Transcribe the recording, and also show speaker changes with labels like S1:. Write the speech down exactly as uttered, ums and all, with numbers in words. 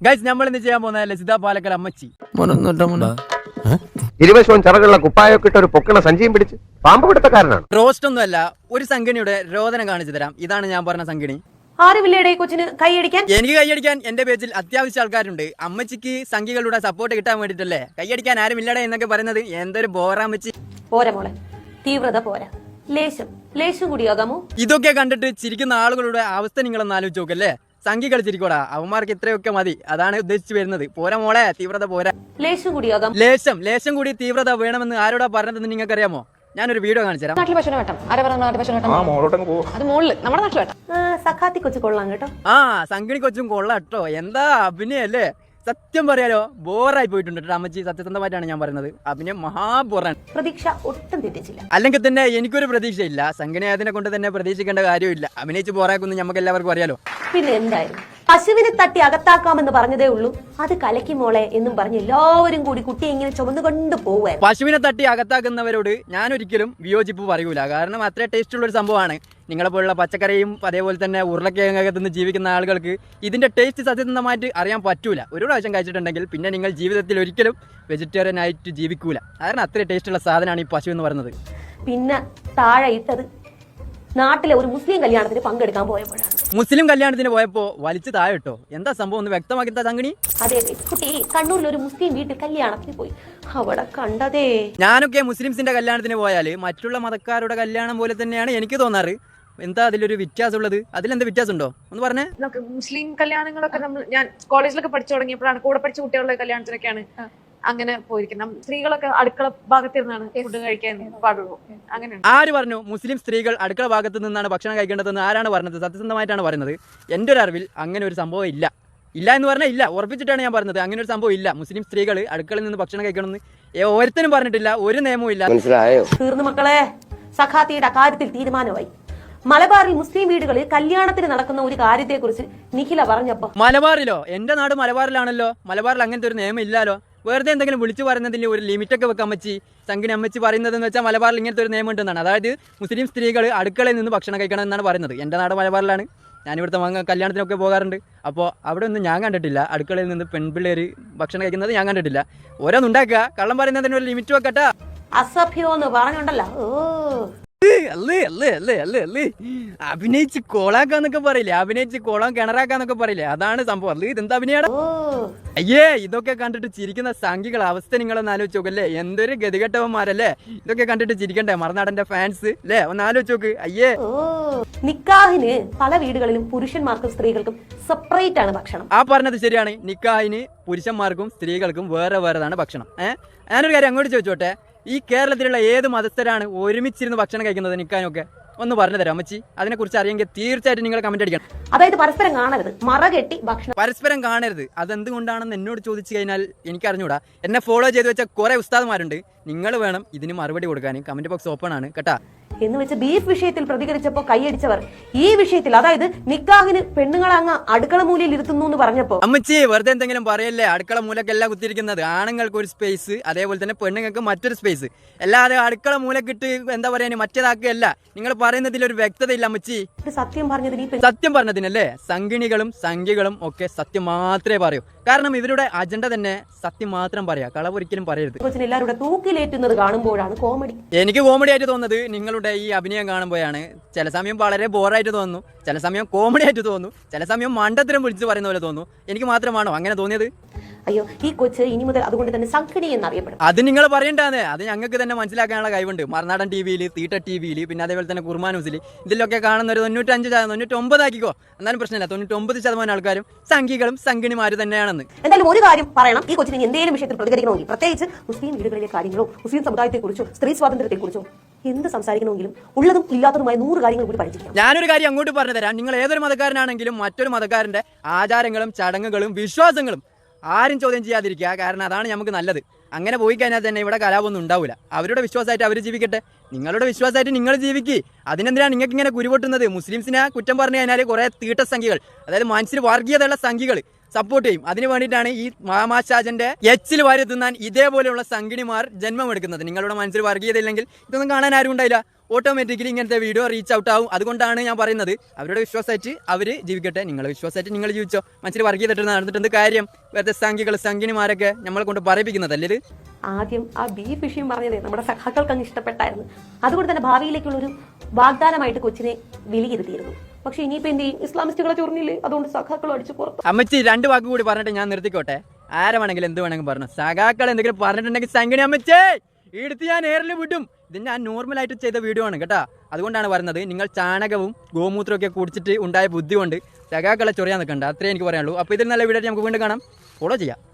S1: Guys നമ്മൾ ഇന്ന് ചെയ്യാൻ പോകുന്ന ലസിത പാലക്കൽ അമ്മച്ചി
S2: ഇരുവശവും ചിറകുള്ള കുപ്പായൊക്കെ ഇട്ട് ഒരു പൊക്കണ സഞ്ചിയും പിടിച്ച് പാമ്പ് പിടുത്തക്കാരനാണ്.
S1: റോസ്റ്റ് ഒന്നുമല്ല, ഒരു സംഘിണിയുടെ രോദനം കാണിച്ചു തരാം. ഇതാണ് ഞാൻ പറഞ്ഞ സംഘിണി.
S3: ആരുമില്ലേടെ കൊച്ചിന് കൈയടിക്കാൻ?
S1: എനിക്ക് കൈയടിക്കാൻ എന്റെ പേജിൽ അത്യാവശ്യം ആൾക്കാരുണ്ട്. അമ്മച്ചിക്ക് സംഘികളുടെ സപ്പോർട്ട് കിട്ടാൻ വേണ്ടിട്ടല്ലേ കൈയടിക്കാൻ ആരുമില്ലടേ എന്നൊക്കെ പറയുന്നത്. എന്തൊരു ബോറാമ്മച്ചി.
S3: പോരാ മോളെ, തീവ്രത പോരാ, ലേശം ലേശം കൂടിയാകാമോ?
S1: ഇതൊക്കെ കണ്ടിട്ട് ചിരിക്കുന്ന ആളുകളുടെ അവസ്ഥ നിങ്ങളൊന്ന് ആലോചിച്ച് നോക്കല്ലേ. സംഘികൾ ചിരിക്കോടാ, അവന്മാർക്ക് ഇത്രയൊക്കെ മതി. അതാണ് ഉദ്ദേശിച്ചു വരുന്നത്. പോരാ മോളെ, തീവ്രത പോരാ,
S3: ലേശം കൂടിയാകാം.
S1: ലേശം ലേശം കൂടി തീവ്രത വേണമെന്ന് ആരോടാ പറഞ്ഞതെന്ന് നിങ്ങൾക്ക് അറിയാമോ? ഞാനൊരു വീഡിയോ കാണിച്ചു തരാം.
S4: നാട്ടിൽ പശുവിനെ വെട്ടം. ആരെ പറഞ്ഞ നാട്ടിൽ പശുവിനെ വെട്ടം? അത് മുകളില് നമ്മുടെ നാട്ടിൽ വെട്ടം.
S3: സഖാത്തി കൊച്ചു കൊള്ളാം കേട്ടോ.
S1: ആ സംഘിണി കൊച്ചും കൊള്ളാം കേട്ടോ. എന്താ അഭിനയല്ലേ. സത്യം പറയാലോ, ബോറായി പോയിട്ടുണ്ട് കേട്ടോ അമ്മച്ചി. സത്യസന്ധമായിട്ടാണ് ഞാൻ പറയുന്നത്. അഭിനയം മഹാബോറാണ്.
S3: പ്രതീക്ഷ ഒട്ടും തെറ്റിച്ചില്ല.
S1: അല്ലെങ്കിൽ തന്നെ എനിക്കൊരു പ്രതീക്ഷയില്ല. സംഘിണി അതിനെ കൊണ്ട് തന്നെ പ്രതീക്ഷിക്കേണ്ട കാര്യമില്ല. അഭിനയിച്ച് ബോറാക്കുന്നു നമുക്ക് എല്ലാവർക്കും അറിയാലോ.
S3: പിന്നെ എന്തായാലും പശുവിനെ തട്ടി അകത്താക്കാമെന്ന് പറഞ്ഞതേ ഉള്ളൂ, അത് കലക്കി മോളെ എന്നും പറഞ്ഞ് എല്ലാവരും കൂടി കുട്ടിയെ ഇങ്ങനെ ചുമന്നുകൊണ്ട് പോവുകയായിരുന്നു.
S1: പശുവിനെ തട്ടി അകത്താക്കുന്നവരോട് ഞാൻ ഒരിക്കലും വിയോജിപ്പ് പറയൂല. കാരണം അത്ര ടേസ്റ്റ് ഉള്ള ഒരു സംഭവമാണ്. നിങ്ങളെ പോലുള്ള പച്ചക്കറിയും അതേപോലെ തന്നെ ഉരുളക്കിഴങ്ങൊക്കെ തിന്ന് ജീവിക്കുന്ന ആളുകൾക്ക് ഇതിന്റെ ടേസ്റ്റ് സത്യസന്ധമായിട്ട് അറിയാൻ പറ്റൂല. ഒരു പ്രാവശ്യം കഴിച്ചിട്ടുണ്ടെങ്കിൽ പിന്നെ നിങ്ങൾ ജീവിതത്തിൽ ഒരിക്കലും വെജിറ്റേറിയൻ ആയിട്ട് ജീവിക്കൂല. കാരണം അത്ര ടേസ്റ്റുള്ള സാധനമാണ് ഈ പശു എന്ന് പറയുന്നത്.
S3: പിന്നെ താഴെ ഇട്ടത് നാട്ടിലെ ഒരു മുസ്ലിം കല്യാണത്തിന് പങ്കെടുക്കാൻ പോയപ്പോഴാണ്.
S1: മുസ്ലിം കല്യാണത്തിന് പോയപ്പോ വലിച്ചു താഴെ ഇട്ടോ? എന്താ സംഭവം ഒന്ന് വ്യക്തമാക്കി സംഘിണി.
S3: അതെ, കുട്ടി കണ്ണൂരിൽ ഒരു മുസ്ലിം വീട്ടിൽ കല്യാണത്തിന് പോയി. അവിടെ കണ്ടതേ,
S1: ഞാനൊക്കെ മുസ്ലിംസിന്റെ കല്യാണത്തിന് പോയാല് മറ്റുള്ള മതക്കാരുടെ കല്യാണം പോലെ തന്നെയാണ് എനിക്ക് തോന്നാറ്. എന്താ അതിലൊരു വ്യത്യാസം ഉള്ളത്? അതിലെന്താ വ്യത്യാസം ഉണ്ടോ ഒന്ന് പറഞ്ഞേ.
S4: മുസ്ലിം കല്യാണങ്ങളൊക്കെ നമ്മൾ ഞാൻ കോളേജിലൊക്കെ പഠിച്ചു തുടങ്ങിയപ്പോഴാണ് കൂടെ പഠിച്ച കുട്ടികളുടെ കല്യാണത്തിനൊക്കെയാണ് അങ്ങനെ പോയിരിക്കുന്നത്. സ്ത്രീകളൊക്കെ അടുക്കള ഭാഗത്തിരുന്നാണ് ഫുഡ് കഴിക്കാൻ പാടുള്ളൂ. അങ്ങനെയാണ്.
S1: ആര് പറഞ്ഞു മുസ്ലിം സ്ത്രീകൾ അടുക്കള ഭാഗത്ത് നിന്നാണ് ഭക്ഷണം കഴിക്കേണ്ടതെന്ന്? ആരാണ് പറഞ്ഞത്? സത്യസന്ധമായിട്ടാണ് പറയുന്നത്. എൻ്റെ ഒരു അറിവിൽ അങ്ങനെ ഒരു സംഭവം ഇല്ല. ഇല്ല എന്ന് പറഞ്ഞാൽ ഇല്ല, ഉറപ്പിച്ചിട്ടാണ് ഞാൻ പറഞ്ഞത്. അങ്ങനെ ഒരു സംഭവം ഇല്ല. മുസ്ലിം സ്ത്രീകൾ അടുക്കളയിൽ നിന്ന് ഭക്ഷണം കഴിക്കണമെന്ന് ഓരോരുത്തരും പറഞ്ഞിട്ടില്ല, ഒരു നിയമവും ഇല്ല.
S2: മനസ്സിലായോ?
S3: തീർന്നു മക്കളെ, സഖാത്തിയുടെ കാര്യത്തിൽ തീരുമാനമായി. മലബാറിൽ മുസ്ലിം വീടുകളിൽ കല്യാണത്തിന് നടക്കുന്ന ഒരു കാര്യത്തെക്കുറിച്ച് നിഖില പറഞ്ഞപ്പോ,
S1: മലബാറിലോ? എന്റെ നാട് മലബാറിലാണല്ലോ. മലബാറിൽ അങ്ങനത്തെ ഒരു നിയമം ഇല്ലാലോ. വെറുതെ എന്തെങ്കിലും വിളിച്ചു പറയുന്നതിന് ഒരു ലിമിറ്റൊക്കെ വെക്കാൻ അമ്മച്ചി. സംഘിണി അമ്മച്ചി പറയുന്നതെന്ന് വെച്ചാൽ മലബാറിൽ ഇങ്ങനത്തെ ഒരു നിയമം ഉണ്ടെന്നാണ്. അതായത് മുസ്ലിം സ്ത്രീകൾ അടുക്കളയിൽ നിന്ന് ഭക്ഷണം കഴിക്കണം എന്നാണ് പറയുന്നത്. എൻ്റെ നാട് മലബാറിലാണ്. ഞാനിവിടുത്തെ വാങ്ങ കല്യാണത്തിനൊക്കെ പോകാറുണ്ട്. അപ്പോൾ അവിടെ ഒന്നും ഞാൻ കണ്ടിട്ടില്ല അടുക്കളയിൽ നിന്ന് പെൺപിള്ളേർ ഭക്ഷണം കഴിക്കുന്നത് ഞാൻ കണ്ടിട്ടില്ല. ഓരോന്നുണ്ടാക്കുക, കള്ളം പറയുന്നതിന് ഒരു ലിമിറ്റ് വെക്കട്ടാ.
S3: അസഭ്യോ എന്ന് പറഞ്ഞുണ്ടല്ലോ. ഓ
S1: അല്ലേ അല്ലേ അല്ലേ അല്ലേ അല്ലേ അഭിനയിച്ച് കോളാക്കാന്നൊക്കെ പറയില്ലേ, അഭിനയിച്ച് കോളം കിണറാക്കാന്നൊക്കെ പറയില്ലേ, അതാണ് സംഭവം. അല്ലേ ഇതെന്താ അഭിനയാണ്? അയ്യേ, ഇതൊക്കെ കണ്ടിട്ട് ചിരിക്കുന്ന സംഘികളെ അവസ്ഥ നിങ്ങളൊന്ന് ആലോചിച്ച് നോക്കല്ലേ. എന്തൊരു ഗതികെട്ടവന്മാരല്ലേ. ഇതൊക്കെ കണ്ടിട്ട് ചിരിക്കണ്ടേ മറുനാടന്റെ ഫാൻസ് അല്ലേ? ഒന്ന് ആലോചിച്ച് നോക്ക്. അയ്യേ,
S3: നിക്കാഹിന് പല വീടുകളിലും പുരുഷന്മാർക്കും സ്ത്രീകൾക്കും സെപ്പറേറ്റ് ആണ് ഭക്ഷണം.
S1: ആ പറഞ്ഞത് ശരിയാണ്. നിക്കാഹിന് പുരുഷന്മാർക്കും സ്ത്രീകൾക്കും വേറെ വേറെതാണ് ഭക്ഷണം. ഏഹ് ഞാനൊരു കാര്യം അങ്ങോട്ട് ചോദിച്ചോട്ടെ, ഈ കേരളത്തിലുള്ള ഏത് മതസ്ഥരാണ് ഒരുമിച്ചിരുന്ന് ഭക്ഷണം കഴിക്കുന്നത് നിക്കാനൊക്കെ? ഒന്ന് പറഞ്ഞു തരാം അമ്മച്ചി. അതിനെക്കുറിച്ച് അറിയെങ്കിൽ തീർച്ചയായിട്ടും നിങ്ങൾ കമന്റ് അടിക്കണം.
S3: അതായത് പരസ്പരം കാണരുത്, മറകെട്ടി ഭക്ഷണം.
S1: പരസ്പരം കാണരുത് അതെന്തുകൊണ്ടാണെന്ന് എന്നോട് ചോദിച്ചു കഴിഞ്ഞാൽ എനിക്ക് അറിഞ്ഞൂടാ. എന്നെ ഫോളോ ചെയ്ത് വെച്ച കുറെ ഉസ്താദ്മാരുണ്ട്. നിങ്ങൾ വേണം ഇതിന് മറുപടി കൊടുക്കാൻ. കമന്റ് ബോക്സ് ഓപ്പൺ ആണ് കേട്ടാ.
S3: എന്ന് വെച്ച് ബീഫ് വിഷയത്തിൽ പ്രതികരിച്ചപ്പോ കൈയടിച്ചവർ ഈ വിഷയത്തിൽ, അതായത് നിക്കാഹിന് പെണ്ണുങ്ങളെ അങ്ങ് അടുക്കള മൂലയിൽ ഇരുത്തുന്നു എന്ന് പറഞ്ഞപ്പോ,
S1: അമ്മച്ചി വെറുതെ എന്തെങ്കിലും പറയല്ലേ. അടുക്കള മൂലക്കല്ല കുത്തിരിക്കുന്നത്. ആണുങ്ങൾക്ക് ഒരു സ്പേസ്, അതേപോലെ തന്നെ പെണ്ണുങ്ങൾക്ക് മറ്റൊരു സ്പേസ്. അല്ലാതെ അടുക്കള മൂലക്കിട്ട് എന്താ പറയാ മറ്റേതാക്കുകയല്ല. നിങ്ങൾ പറയുന്നതിൽ ഒരു വ്യക്തത ഇല്ല അമ്മച്ചി.
S3: സത്യം പറഞ്ഞതിന്
S1: സത്യം പറഞ്ഞതിനല്ലേ. സംഘിണികളും സംഘികളും ഒക്കെ സത്യം മാത്രമേ പറയൂ. കാരണം ഇവരുടെ അജണ്ട തന്നെ സത്യം മാത്രം പറയാ, കളവൊരിക്കലും പറയരുത്.
S3: എല്ലാവരുടെ തൂക്കിലേറ്റുന്നത് കാണുമ്പോഴാണ് കോമഡി.
S1: എനിക്ക് കോമഡി ആയിട്ട് തോന്നുന്നത് നിങ്ങളുടെ ഈ അഭിനയം കാണുമ്പോഴാണ്. ചില സമയം വളരെ ബോറായിട്ട് തോന്നുന്നു, ചില സമയം കോമഡി ആയിട്ട് തോന്നുന്നു, ചില സമയം മണ്ടത്തരം വിളിച്ച് പറയുന്ന പോലെ തോന്നുന്നു. എനിക്ക് മാത്രമാണോ അങ്ങനെ തോന്നിയത്?
S3: അയ്യോ, ഈ കൊച്ച് ഇനി മുതൽ അതുകൊണ്ട് തന്നെ സംഘിണി എന്നറിയപ്പെടും.
S1: അത് നിങ്ങൾ പറയണ്ടാന്ന്. അത് ഞങ്ങൾക്ക് തന്നെ മനസ്സിലാക്കാനുള്ള കഴിവുണ്ട്. മറുനാടൻ ടി വിയിൽ, തീട്ട ടി വിയിൽ, പിന്നെ അതേപോലെ തന്നെ കുർമാ ന്യൂസിൽ, ഇതിലൊക്കെ കാണുന്ന ഒരു തൊണ്ണൂറ്റഞ്ച് തൊണ്ണൂറ്റൊമ്പത് ആക്കിക്കോ, എന്നാലും പ്രശ്നമില്ല. തൊണ്ണൂറ്റൊമ്പത് ശതമാനം ആൾക്കാരും സംഘികളും സംഘിണിമാര് തന്നെയാണെന്ന്.
S3: എന്തായാലും ഒരു കാര്യം പറയണം, ഈ കൊച്ചിന് എന്തെങ്കിലും വിഷയത്തിൽ പ്രതികരിക്കണമെങ്കിൽ, പ്രത്യേകിച്ച് മുസ്ലിം വീടുകളിലെ കാര്യങ്ങളോ മുസ്ലിം സമുദായത്തെക്കുറിച്ചോ സ്ത്രീ സ്വാതന്ത്ര്യത്തെക്കുറിച്ചോ എന്ത് സംസാരിക്കണമെങ്കിലും ഉള്ളതും ഇല്ലാത്തതുമായ നൂറ് കാര്യങ്ങൾ കൂടി പഠിച്ചിരിക്കണം.
S1: ഞാനൊരു കാര്യം അങ്ങോട്ട് പറഞ്ഞു തരാം. നിങ്ങൾ ഏതൊരു മതക്കാരനാണെങ്കിലും മറ്റൊരു മതക്കാരന്റെ ആചാരങ്ങളും ചടങ്ങുകളും വിശ്വാസങ്ങളും ആരും ചോദ്യം ചെയ്യാതിരിക്കുക. കാരണം അതാണ് നമുക്ക് നല്ലത്. അങ്ങനെ പോയി കഴിഞ്ഞാൽ തന്നെ ഇവിടെ കലാപൊന്നും ഉണ്ടാവില്ല. അവരുടെ വിശ്വാസമായിട്ട് അവർ ജീവിക്കട്ടെ, നിങ്ങളുടെ വിശ്വാസമായിട്ട് നിങ്ങൾ ജീവിക്കുക. അതിനെന്തിനാണ് നിങ്ങൾക്ക് ഇങ്ങനെ കുരുപൊട്ടുന്നത്? മുസ്ലിംസിനെ കുറ്റം പറഞ്ഞു കഴിഞ്ഞാൽ കുറേ തീട്ട സംഖ്യകൾ, അതായത് മനസ്സിൽ വർഗീയതയുള്ള സംഖ്യകൾ സപ്പോർട്ട് ചെയ്യും. അതിന് വേണ്ടിയിട്ടാണ് ഈ മാമാശാജന്റെ എച്ചിൽ വാരി തിന്നാൻ ഇതേപോലെയുള്ള സംഘിണിമാർ ജന്മം എടുക്കുന്നത്. നിങ്ങളുടെ മനസ്സിൽ വർഗീയത ഇല്ലെങ്കിൽ ഇതൊന്നും കാണാൻ ആരും ഉണ്ടായില്ല. ഓട്ടോമാറ്റിക്കലി ഇങ്ങനത്തെ വീഡിയോ റീച്ച് ഔട്ട് ആവും. അതുകൊണ്ടാണ് ഞാൻ പറയുന്നത് അവരുടെ വിശ്വാസമായിട്ട് അവർ ജീവിക്കട്ടെ, നിങ്ങളെ വിശ്വാസമായിട്ട് നിങ്ങൾ ജീവിച്ചോ. മനസ്സിൽ വർക്ക് ചെയ്തിട്ട് നടന്നിട്ട് എന്ത് കാര്യം? വെറുതെ സംഖ്യകൾ സംഖ്യനിമാരൊക്കെ നമ്മളെ കൊണ്ട് പറയിപ്പിക്കുന്നതല്ലേ ഇത്?
S3: ആദ്യം ആ ബീഫ് വിഷയം പറഞ്ഞതേ നമ്മുടെ സഖാക്കൾക്ക് അങ്ങ് ഇഷ്ടപ്പെട്ടായിരുന്നു. അതുകൊണ്ട് തന്നെ ഭാവിയിലേക്കുള്ള ഒരു വാഗ്ദാനമായിട്ട് കൊച്ചിനെ വിലയിരുത്തിയിരുന്നു. പക്ഷെ ഇനിയിപ്പോ എന്ത് ചെയ്യും? ഇസ്ലാമിസ്റ്റുകളെ ചൊറിഞ്ഞില്ലേ, അതുകൊണ്ട് സഖാക്കൾ അടിച്ചു പുറത്തു.
S1: അമ്മച്ചി രണ്ട് വാക്ക് കൂടി പറഞ്ഞിട്ട് ഞാൻ നിർത്തിക്കോട്ടെ. ആരെ വേണമെങ്കിലും എന്ത് വേണമെങ്കിലും പറഞ്ഞു. സഖാക്കൾ എന്തെങ്കിലും പറഞ്ഞിട്ടുണ്ടെങ്കിൽ സംഖ്യനി അമ്മച്ചേ എടുത്ത് ഞാൻ നേരിൽ വിടും. ഇത് ഞാൻ നോർമലായിട്ട് ചെയ്ത വീഡിയോ ആണ് കേട്ടോ. അതുകൊണ്ടാണ് പറയുന്നത്, നിങ്ങൾ ചാണകവും ഗോമൂത്രവും ഒക്കെ കുടിച്ചിട്ട് ഉണ്ടായ ബുദ്ധി കൊണ്ട് സഖാക്കളെ ചൊറിയാൻ നിൽക്കണ്ട. അത്രേ എനിക്ക് പറയാനുള്ളൂ. അപ്പോൾ ഇതിൽ നല്ല വീഡിയോ നമുക്ക് വീണ്ടും കാണാം. ഫോളോ ചെയ്യാം.